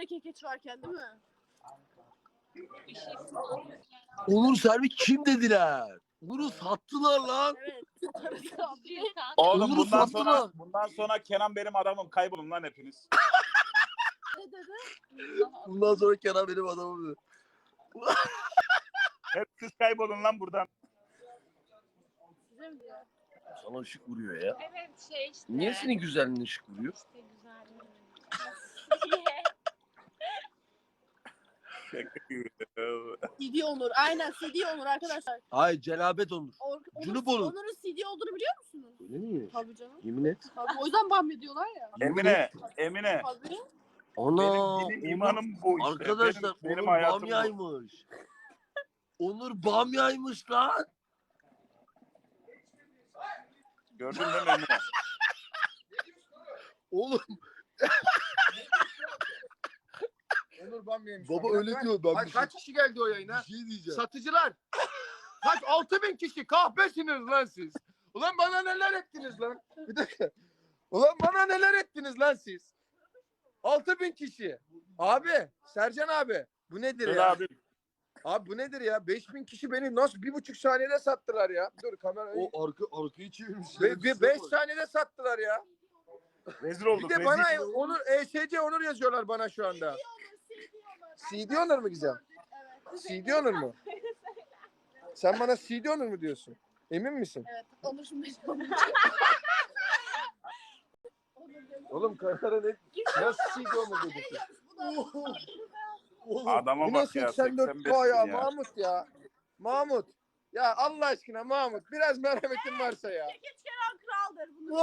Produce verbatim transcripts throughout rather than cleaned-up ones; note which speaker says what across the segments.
Speaker 1: öyle kekeç varken değil mi?
Speaker 2: Onur Servi kim dediler? Onur'u sattılar lan.
Speaker 1: Evet. Satarız abi.
Speaker 3: Oğlum
Speaker 2: Onur'u
Speaker 3: bundan
Speaker 2: sattılar.
Speaker 3: sonra bundan sonra Kenan benim adamım, kaybolun lan hepiniz.
Speaker 1: Ne dedi?
Speaker 2: Bundan sonra Kenan benim adamım dedi.
Speaker 3: Hep siz kaybolun lan buradan.
Speaker 1: Size mi diyor?
Speaker 2: Sana ışık vuruyor ya.
Speaker 4: Evet şey işte.
Speaker 2: Niye senin güzelliğin ışık vuruyor?
Speaker 4: İşte güzel.
Speaker 1: C D Onur. Aynen C D Onur arkadaşlar.
Speaker 2: Hayır, Cenabet Onur.
Speaker 1: Or
Speaker 2: Cunup
Speaker 1: Onur,
Speaker 2: Onur.
Speaker 1: Onur'un C D olduğunu biliyor musunuz?
Speaker 2: Öyle mi?
Speaker 1: Tabii canım.
Speaker 2: Yemin et.
Speaker 1: Tabii. O yüzden bahsediyorlar ya.
Speaker 3: Emine, Emine.
Speaker 1: Tabii.
Speaker 2: Ana.
Speaker 3: Benim dinim imanım bu işte.
Speaker 2: Arkadaşlar
Speaker 3: benim, benim
Speaker 2: Onur
Speaker 3: hayatım bu.
Speaker 2: bamyaymış. Onur bamyaymış lan.
Speaker 3: Gördün değil mi Emine?
Speaker 2: Oğlum
Speaker 5: Onur Bamya'ymış.
Speaker 2: baba
Speaker 5: Bak,
Speaker 2: öyle
Speaker 5: bak.
Speaker 2: diyor. Ben
Speaker 5: Ay,
Speaker 2: bir şey,
Speaker 5: kaç kişi geldi o yayına?
Speaker 2: bir şey diyeceğim.
Speaker 5: Satıcılar. Kaç? Altı bin kişi. Kahpesiniz lan siz. Ulan bana neler ettiniz lan? Bir dakika. Ulan bana neler ettiniz lan siz? Altı bin kişi. Abi. Sercan abi. Bu nedir
Speaker 3: Söyle
Speaker 5: ya?
Speaker 3: abi.
Speaker 5: Abi bu nedir ya? Beş bin kişi beni nasıl bir buçuk saniyede sattılar ya? Dur kamera.
Speaker 2: O arka arkayı çevirmiş.
Speaker 5: Be, be, beş saniyede sattılar ya.
Speaker 3: Rezil
Speaker 5: Bir
Speaker 3: olduk.
Speaker 5: de
Speaker 3: rezil.
Speaker 5: bana Onur, E S C Onur yazıyorlar bana şu anda. C D Onur mu Gizem? C D Onur mu? Sen bana C D Onur mu diyorsun? Emin misin?
Speaker 1: Evet. Onur şimdi.
Speaker 5: Oğlum kamera ne? Nasıl C D Onur dedi?
Speaker 3: Adama
Speaker 5: Bu
Speaker 3: bak
Speaker 5: nasıl
Speaker 3: ya.
Speaker 5: seksen dört
Speaker 3: seksen beş
Speaker 5: K ya
Speaker 3: bin ya.
Speaker 5: Mahmut ya. Mahmut. Ya Allah aşkına Mahmut biraz merhametin varsa ya.
Speaker 1: Kekeç Kenan kraldır bunu.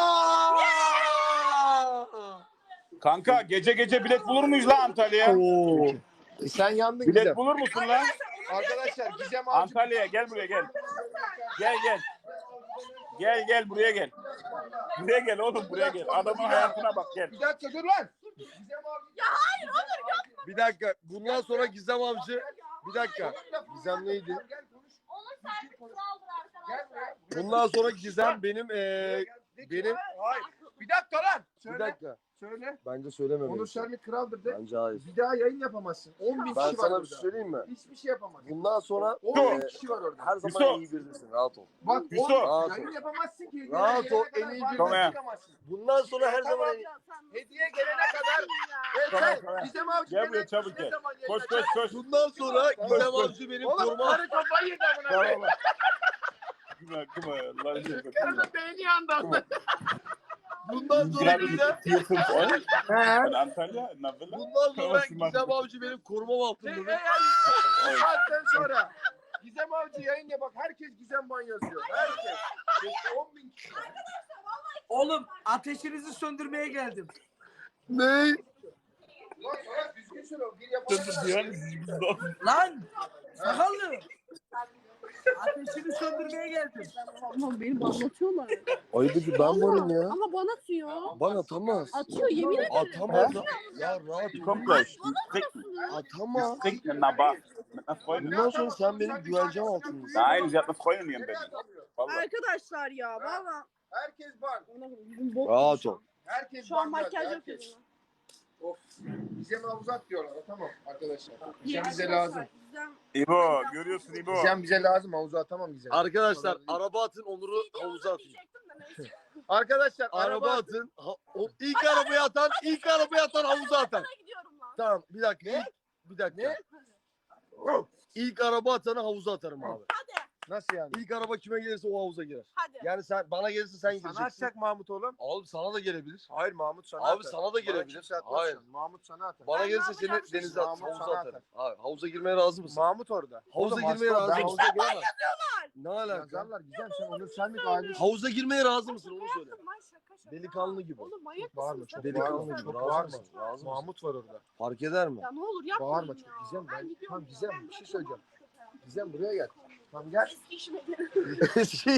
Speaker 3: Kanka gece gece bilet bulur muyuz lan Antalya'ya?
Speaker 5: Oo. E sen yandın
Speaker 3: Bilet
Speaker 5: Gizem.
Speaker 3: bulur musun lan?
Speaker 5: Arkadaşlar Gizem Avcı.
Speaker 3: Antalya'ya gel buraya gel. Gel gel. Gel gel buraya gel. Buraya gel oğlum buraya gel. Adamın hayatına bak gel.
Speaker 5: Bir dakika dur lan. Gizem Avcı.
Speaker 2: Bir dakika. Bundan sonra Gizem Avcı. Bir dakika. Gizem neydi?
Speaker 5: Gel konuş.
Speaker 4: Onur Servi kraldır
Speaker 5: Gel
Speaker 4: arkadaşlar.
Speaker 5: buraya.
Speaker 2: Bundan sonra Gizem benim eee benim
Speaker 5: Hayır. Bir dakika lan. Söyle.
Speaker 2: bir dakika.
Speaker 5: Söyle.
Speaker 2: Bence söylemem.
Speaker 5: Onur Servi kraldır de.
Speaker 2: Bence hayır.
Speaker 5: Bir daha yayın yapamazsın. on bin
Speaker 2: Ben
Speaker 5: kişi var
Speaker 2: sana bir şey
Speaker 5: orada.
Speaker 2: söyleyeyim mi?
Speaker 5: Hiçbir şey yapamazsın.
Speaker 2: Bundan sonra
Speaker 5: on bin
Speaker 2: eee,
Speaker 5: kişi var orada.
Speaker 2: her zaman
Speaker 3: Hüso.
Speaker 2: en iyi birisin. Rahat ol.
Speaker 5: Bak
Speaker 3: Hüso.
Speaker 5: on,
Speaker 2: Rahat
Speaker 5: yayın
Speaker 2: ol.
Speaker 5: yapamazsın ki.
Speaker 2: Rahat
Speaker 5: Gelene
Speaker 2: ol,
Speaker 5: kadar
Speaker 2: en iyi
Speaker 5: bazen
Speaker 2: bir-
Speaker 3: Tamam.
Speaker 5: çıkamazsın.
Speaker 2: Bundan sonra her zaman en iyi.
Speaker 5: Hediye gelene kadar. Evet,
Speaker 3: Tamam,
Speaker 5: sen
Speaker 3: tamam.
Speaker 5: Gizem Avcı
Speaker 3: Gel
Speaker 5: ne-
Speaker 3: buraya çabuk
Speaker 5: ne
Speaker 3: gel.
Speaker 5: zaman yayın
Speaker 3: Koş koş
Speaker 5: açar?
Speaker 3: koş.
Speaker 2: Bundan sonra
Speaker 5: Tamam,
Speaker 2: Gizem
Speaker 3: koş.
Speaker 2: Avcı benim
Speaker 5: Oğlum
Speaker 2: koruma.
Speaker 5: karı kafayı yedi amına
Speaker 3: Tamam.
Speaker 5: koyayım.
Speaker 3: Kıma kıma. Lan şey
Speaker 5: Karının beyni yandı amına.
Speaker 2: Bundan sonra Gizem.
Speaker 3: Ben Antalya. Ne yapayım?
Speaker 2: Bundan sonra
Speaker 3: Tamam,
Speaker 2: Gizem Avcı benim korumam
Speaker 5: Şey,
Speaker 2: altında.
Speaker 5: eğer bu saatten sonra Gizem Avcı yayın ya bak herkes Gizem Ban yazıyor. Herkes. on bin kişi.
Speaker 6: Oğlum ateşinizi söndürmeye geldim.
Speaker 2: Ne?
Speaker 5: Lan sana düzgün söyle. Bir yapalım.
Speaker 6: Lan sakallı. Ateşini söndürmeye geldim.
Speaker 1: Ama beni anlatıyorlar.
Speaker 2: Ay dedi ben varım ya.
Speaker 1: Ama bana atıyor.
Speaker 2: Bana atamaz.
Speaker 1: Atıyor yemin ederim.
Speaker 2: Atamaz. Ya rahat ol.
Speaker 3: Kompleks.
Speaker 2: Atamaz.
Speaker 3: Na bak.
Speaker 2: Bundan sonra sen benim güvencem altındasın.
Speaker 3: Nein, sie hat eine Freundin in Berlin. Vallahi.
Speaker 1: Arkadaşlar ya valla.
Speaker 5: Herkes ban.
Speaker 1: Bizim bok
Speaker 2: Rahat
Speaker 1: şu
Speaker 2: ol.
Speaker 1: an.
Speaker 5: Herkes
Speaker 1: Şu an
Speaker 5: ban
Speaker 1: makyaj
Speaker 5: yazdı,
Speaker 1: yapıyorum.
Speaker 5: herkes. Of. Gizem uzat diyorlar. Tamam arkadaşlar. Gizem
Speaker 1: Ya
Speaker 5: bize
Speaker 1: arkadaşlar,
Speaker 5: lazım.
Speaker 1: Gizem-
Speaker 3: İbo, görüyorsun İbo.
Speaker 5: Gizem bize lazım. Havuza atamam Gizem.
Speaker 2: Arkadaşlar araba atın, Onur'u havuza atın.
Speaker 1: Diyecektim de neyse.
Speaker 5: Arkadaşlar
Speaker 2: Araba atın. Ha, o ilk arabaya atan, ilk arabaya atan havuza atan.
Speaker 1: Sana gidiyorum lan.
Speaker 2: Tamam bir dakika. ilk- bir dakika.
Speaker 5: Ne?
Speaker 2: İlk araba atanı havuza atarım abi.
Speaker 5: Nasıl yani?
Speaker 2: İlk araba kime gelirse o havuza girer.
Speaker 1: Hadi.
Speaker 2: Yani sen bana gelirse sen
Speaker 5: Sana
Speaker 2: gireceksin.
Speaker 5: atacak Mahmut oğlum.
Speaker 2: Abi sana da gelebilir.
Speaker 5: Hayır Mahmut sana
Speaker 2: Abi
Speaker 5: atar.
Speaker 2: sana da
Speaker 5: Bana
Speaker 2: gelebilir.
Speaker 5: kimse atmaz
Speaker 2: Hayır.
Speaker 5: şu an. Mahmut sana atar.
Speaker 2: Bana
Speaker 1: Ben
Speaker 2: gelirse
Speaker 1: ne
Speaker 2: seni
Speaker 1: yapacağım
Speaker 2: denize
Speaker 5: şimdi?
Speaker 2: at,
Speaker 5: Mahmut
Speaker 2: havuza
Speaker 5: sana
Speaker 2: atarım. Abi havuza girmeye razı mısın?
Speaker 5: Mahmut orada.
Speaker 2: Havuza
Speaker 5: Oğlum,
Speaker 2: girmeye
Speaker 5: hasta,
Speaker 2: razı
Speaker 5: ben
Speaker 2: mısın?
Speaker 5: havuza giremem.
Speaker 2: Ne alaka?
Speaker 5: Yazarlar Gizem sen Onur Selmik ailesi.
Speaker 2: Havuza girmeye razı mısın onu söyle.
Speaker 1: Yaptım lan, şaka şaka.
Speaker 2: Delikanlı gibi.
Speaker 1: Oğlum manyak
Speaker 5: Bağırma
Speaker 1: mısın?
Speaker 5: çok
Speaker 1: sen?
Speaker 2: Delikanlı
Speaker 5: bağırma.
Speaker 2: gibi.
Speaker 5: Çok
Speaker 2: Razı
Speaker 5: bağırma.
Speaker 2: mısın? Razı mısın?
Speaker 5: Mahmut var orada.
Speaker 2: Fark eder mi?
Speaker 1: Ya ne olur yapmayın
Speaker 5: Bağırma
Speaker 1: ya.
Speaker 5: çok Gizem. Ben,
Speaker 1: gidiyorum
Speaker 5: tamam
Speaker 1: ya.
Speaker 5: Gizem
Speaker 1: Ben
Speaker 5: bir şey
Speaker 1: bırakıyorum.
Speaker 5: söyleyeceğim. Gizem buraya gel. Tamam gel.
Speaker 1: Eski işime gelirim.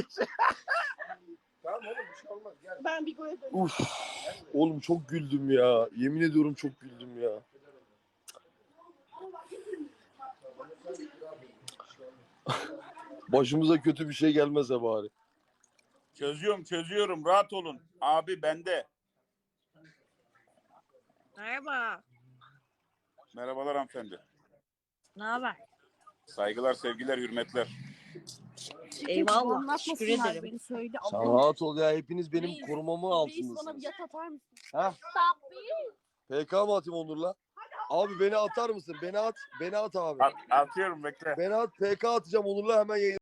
Speaker 5: Tamam oğlum bir şey olmaz gel.
Speaker 1: Ben Bigo'ya dönüyorum.
Speaker 2: Uf. Oğlum çok güldüm ya. Yemin ediyorum çok güldüm ya. Başımıza kötü bir şey gelmese bari.
Speaker 3: Çözüyorum, çözüyorum. Rahat olun. Abi bende.
Speaker 4: Merhaba.
Speaker 3: Merhabalar hanımefendi.
Speaker 4: Ne haber?
Speaker 3: Saygılar, sevgiler, hürmetler.
Speaker 4: Eyvallah. Teşekkür
Speaker 1: Anlatmasınlar
Speaker 4: ederim.
Speaker 1: beni söyle.
Speaker 2: Sen
Speaker 1: Allah'ım.
Speaker 2: rahat ol ya. Hepiniz benim
Speaker 1: Reis,
Speaker 2: korumamı
Speaker 1: Reis bana
Speaker 2: altındasınız.
Speaker 1: bir yat atar mısın?
Speaker 2: Ha? P K mı atayım Onur'la? Abi beni atar mısın? Beni at. Beni at abi.
Speaker 3: At, atıyorum bekle.
Speaker 2: Beni at. P K atacağım Onur'la hemen yayın.